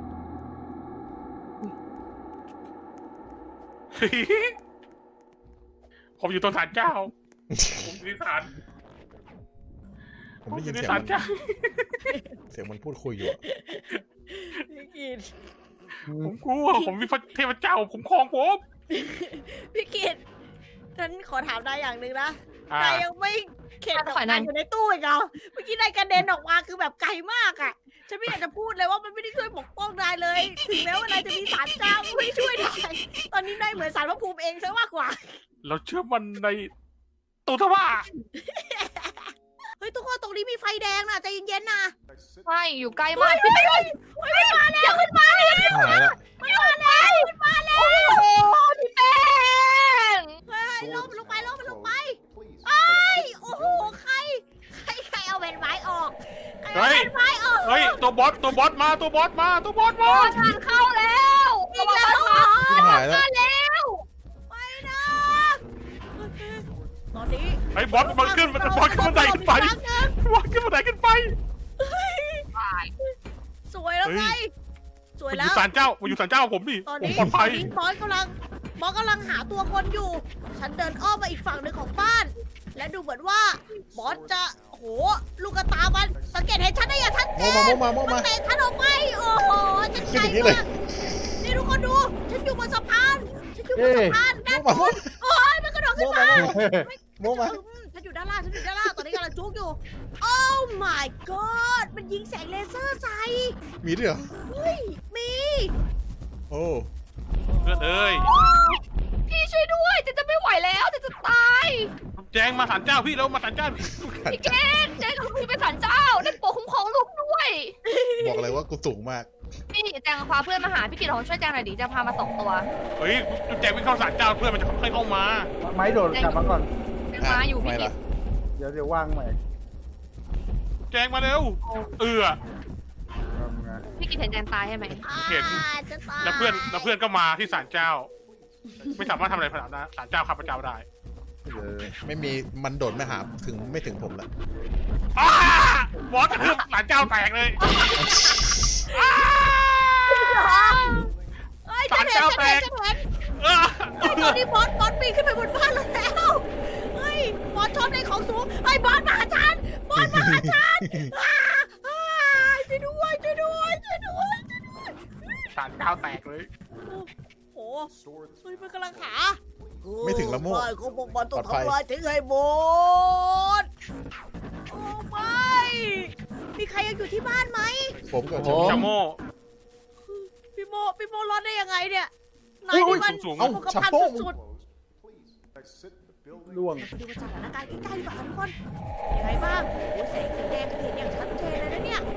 Speaker 3: ผมอยู่ตรงศาลเจ้า ผมอยู่ที่ศาล
Speaker 2: ผม
Speaker 3: ผม
Speaker 2: ได้
Speaker 3: อ
Speaker 2: ยิน
Speaker 3: ยู่ใน
Speaker 2: เสียง
Speaker 3: ศา
Speaker 2: มั
Speaker 3: ล
Speaker 2: น
Speaker 3: เจ้า
Speaker 2: เสียงมันพูดคุยอยู่อะ
Speaker 4: พี่กิต
Speaker 3: ผมกลัว ผมมีเทพเจ้า ผมครองผม
Speaker 4: พี่กิตฉันขอถามนายอย่างหนึ่งนะ
Speaker 3: อ่า
Speaker 4: นายยังไม่เข็ด
Speaker 5: ถอยหน่
Speaker 4: นา
Speaker 5: อย
Speaker 4: ยอยู่ในตู้อีกเหรอเมื่อกี้นายกระเด็นออกมาคือแบบไกลมากอ่ะ ฉันไม่อยากจะพูดเลยว่ามันไม่ได้ช่วยปกป้องนายเลย ถึงแม้ว่านายจะมีสารเจ้าไม่ช่วยนายตอนนี้นายเหมือนสารพระภูมิเองซะมากกว่า
Speaker 3: เราเชื่อมันในตัวทว่า
Speaker 4: เฮ้ยทุกคนตรงนี้มีไฟแดงนะใจเย็นๆนะ
Speaker 5: ใช่ อยู่ใกล้มากพี่เต้น
Speaker 4: เฮ้ยมันมาแล้วมันมาแล้ว
Speaker 2: หายแล้ว
Speaker 4: มันมาแล้วมันมาแล้ว
Speaker 5: โอ้โหพี่เต้น
Speaker 4: เฮ้ยลงมันลงไปลงมันลงไป
Speaker 6: Please.
Speaker 4: เอ้ยโอ้โหใครใครใครเอาแผ่นไม้ออกใครเอาแผ่นไม้ออก
Speaker 3: เฮ้ย ตัวบอส ตัวบอสมา ตัวบอสมา ตัวบอสมา
Speaker 5: งานเข้าแล้ว
Speaker 4: อีกแล้วเหรอ
Speaker 2: ชิบหายแล้ว
Speaker 5: แล้ว
Speaker 4: ไปนะโอเคตอนนี้
Speaker 3: ไอ้บอสมันขึ้นมันบอสขึ้นบันไดขึ้นไป บอสขึ้นบันไดขึ้นไป
Speaker 4: สวยแล้ว
Speaker 3: เฮ้
Speaker 4: ไง
Speaker 3: ย
Speaker 4: สวย
Speaker 3: มันอ
Speaker 4: แล้
Speaker 3: ยู่
Speaker 4: ว
Speaker 3: ศาลเจ้ามันอยู่ศาลเจ้าผมดิ
Speaker 4: ตอน
Speaker 3: ผม
Speaker 4: นี้
Speaker 3: ปลอด
Speaker 4: ตอ
Speaker 3: ภั
Speaker 4: น
Speaker 3: ย
Speaker 4: นี้บอสกำลังบอสกำลังหาตัวคนอยู่ ฉันเดินอ้อมมาอีกฝั่งหนึ่งของบ้าน และดูเหมือนว่าบอสจะโอ้โหลูกกระตามันสังเกตเห็นฉันได้อย่างชัดเจ
Speaker 2: โม
Speaker 4: น
Speaker 2: มาโมมาโม
Speaker 4: มัน
Speaker 2: มา
Speaker 4: เตะฉันออกไปโอ้โหฉัน
Speaker 2: ขึ้
Speaker 4: ไก
Speaker 2: น
Speaker 4: ล
Speaker 2: อย่างนี้เลย
Speaker 4: มากนี่ทุกคนดู ฉันอยู่บนสะพาน ฉันอยู่บน
Speaker 1: เอ้
Speaker 4: สะ
Speaker 1: ย
Speaker 4: พาน
Speaker 2: โม
Speaker 4: ด้าน
Speaker 2: มา
Speaker 4: บนโอ้ยมันกระโดด
Speaker 2: โม
Speaker 4: ขึ้น
Speaker 2: มา
Speaker 4: มา
Speaker 2: โมมา
Speaker 4: อืมฉันอยู่ด้านล่าง ฉันอยู่ด้านล่าง ตอนนี้กำลังจุกอยู่ โอ้ my god มันยิงแสงเลเซอร์ใส่
Speaker 2: มีด้วยเหรอ
Speaker 4: เฮ้ย มี
Speaker 2: โอ้
Speaker 3: เพื่อนเอ้ย
Speaker 5: พี่ช่วยด้วยจะจะไม่ไหวแล้วจะจะตาย
Speaker 3: แจงมาศาลเจ้าพี่แล้วมาศาลเจ้า
Speaker 5: พี่เกณฑ์เจ๊ของพี่เป็นศาลเจ้าได้โปรดคุ้มครองลูกด้วย
Speaker 2: บอกเลยว่ากูสูงมาก
Speaker 5: พี่แจงพาเพื่อนมาหาพี่กิตของช่วยแจงหน่อยดิจะพามาสองตัว
Speaker 3: เฮ้ยแจงวิ่งเข้าศาลเจ้าเพื่อนมันจะค่อยๆเข้ามา
Speaker 1: ไม้โดดกลับมาก่อน
Speaker 5: แจงมาอยู่พี่
Speaker 2: ไม่
Speaker 5: กิ
Speaker 2: ล่ะ
Speaker 5: ต
Speaker 1: เดี๋ยวเดี๋ยวว่างใหม่
Speaker 3: แจงมาเร็ว เออ
Speaker 1: ทำไง
Speaker 5: พี่กิตเห็นแจงตายใช่ไหม
Speaker 3: เห็น
Speaker 4: อ่าจะตาย
Speaker 3: แล้วเพื่อนแล้วเพื่อนก็มาที่ศาลเจ้า ไม่สามารถทำอะไรขนาดนั้นศาลเจ้าข้าพเจ้าได้
Speaker 1: เดี๋ยว
Speaker 2: ไม่มีมันโดดไม่หาถึงไม่ถึงผมละ
Speaker 3: อ้าบอสกระทืบศาลเจ้าแตกเลยอ้า
Speaker 4: เอ้ยฉันเห็นฉันเห็นฉันเห็น
Speaker 3: เออ
Speaker 4: เฮ้ยตอนนี้บอสบอสปีนขึ้นไปบนบ้านเราแล้ว เฮ้ย บอสชอบในของสูงเฮ้ยบอสมาหาฉัน บอสมาหาฉันอ่าอ่าช่วยด้วยช่วยด้วยช่วยด้วยช่วยด้วย
Speaker 3: ศาลเจ้าแตกเลย
Speaker 4: โอ้โห เฮ้ยมันกำลังหา
Speaker 2: ไม่ถึงละโม
Speaker 4: ไม่เขาบอกมันต้อง
Speaker 2: ปลอดภัย
Speaker 4: ทำลายทิ้งให้หมด โอ้ไม่ มีใครยังอยู่ที่บ้านไหม
Speaker 2: ผมกับ
Speaker 1: โอ้
Speaker 3: ชาโม่
Speaker 4: พี่โมพี่โมรอดได้ยังไงเนี่ยนายนี่มัน
Speaker 3: สูงๆ
Speaker 2: เอ้า
Speaker 4: คงกระพัน
Speaker 2: ชาโป้
Speaker 4: สุด
Speaker 6: Closed. Please exit the building.
Speaker 1: ล่วง
Speaker 4: ๆดูสถานการณ์ใกล้ๆดีกว่าทุกคนยังไงบ้างโอ้ยแสงสีแดงเห็นอย่างชัดเจนเลยนะเนี่ย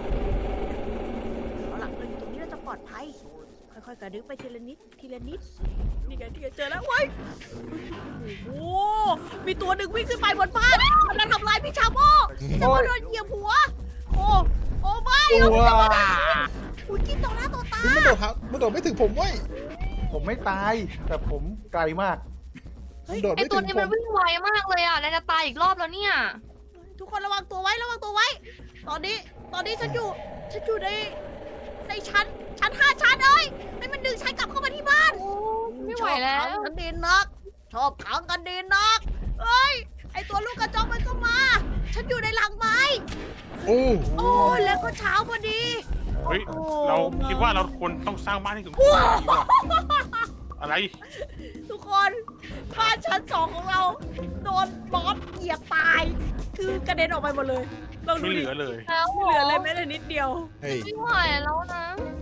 Speaker 4: เอาล่ะเราอยู่ตรงนี้เราจะปลอดภัย ค่อยๆกระดึ๊บไปทีละนิดทีละนิดนี่ไงนี่ไงเจอแล้วเว้ยโอ้โหมีตัวหนึ่งวิ่งขึ้นไปบนบ้านมันจะทำลายพี่ชาโม่พี่ชาโม่โดนเหยียบหัว โอ้โอ้ไม่เอาพี่ชาโม่โดนคุณกินต่อหน้าต่อตา
Speaker 2: มันโดดครับมันโดดไม่ถึงผมเว้ย
Speaker 1: ผมไม่ตาย แต่ผมไกลมาก
Speaker 2: มันโดด
Speaker 5: ไอ
Speaker 2: ไม่
Speaker 5: ตั
Speaker 2: ถึ
Speaker 5: ว
Speaker 2: ง
Speaker 5: นี้
Speaker 2: ผ
Speaker 5: มัน
Speaker 2: ม
Speaker 5: วิ่งไวมากเลยอ่ะนายจะตายอีกรอบแล้วเนี่ย
Speaker 4: ทุกคนระวังตัวไว้ระวังตัวไว้ ตอนนี้ตอนนี้ฉันอยู่ฉันอยู่ในในชั้นชั้นห้าชั้นเอ้ยให้มันดึงฉันกลับเข้ามาที่บ้าน
Speaker 5: ไม่ไหวแล้
Speaker 4: ชอบ
Speaker 5: ว
Speaker 4: ขังกันดีนัก ชอบขังกันดีนักเอ้ยไอตัวลูกกระจอกมันก็มา ฉันอยู่ในหลังไม้
Speaker 2: โอ้
Speaker 4: โอ้แล้วก็เช้าพอดี
Speaker 3: เฮ้ย
Speaker 4: โอ้
Speaker 3: เราคิดว่าเราควรต้องสร้างบ้านให้ถึงดีกว่าอะไร
Speaker 4: ทุกคนบ้านชั้นสองของเราโดนบอสเหยียบตาย คือกระเด็นออกไปหมดเลยลองดู
Speaker 3: ไม่เห
Speaker 4: ดิ
Speaker 3: ลือเลย
Speaker 5: แล้ว
Speaker 4: ไม่เหลือเลยแม้แต่นิดเดียว
Speaker 2: เฮ้ย
Speaker 5: ไม่ไหวแล้วนะ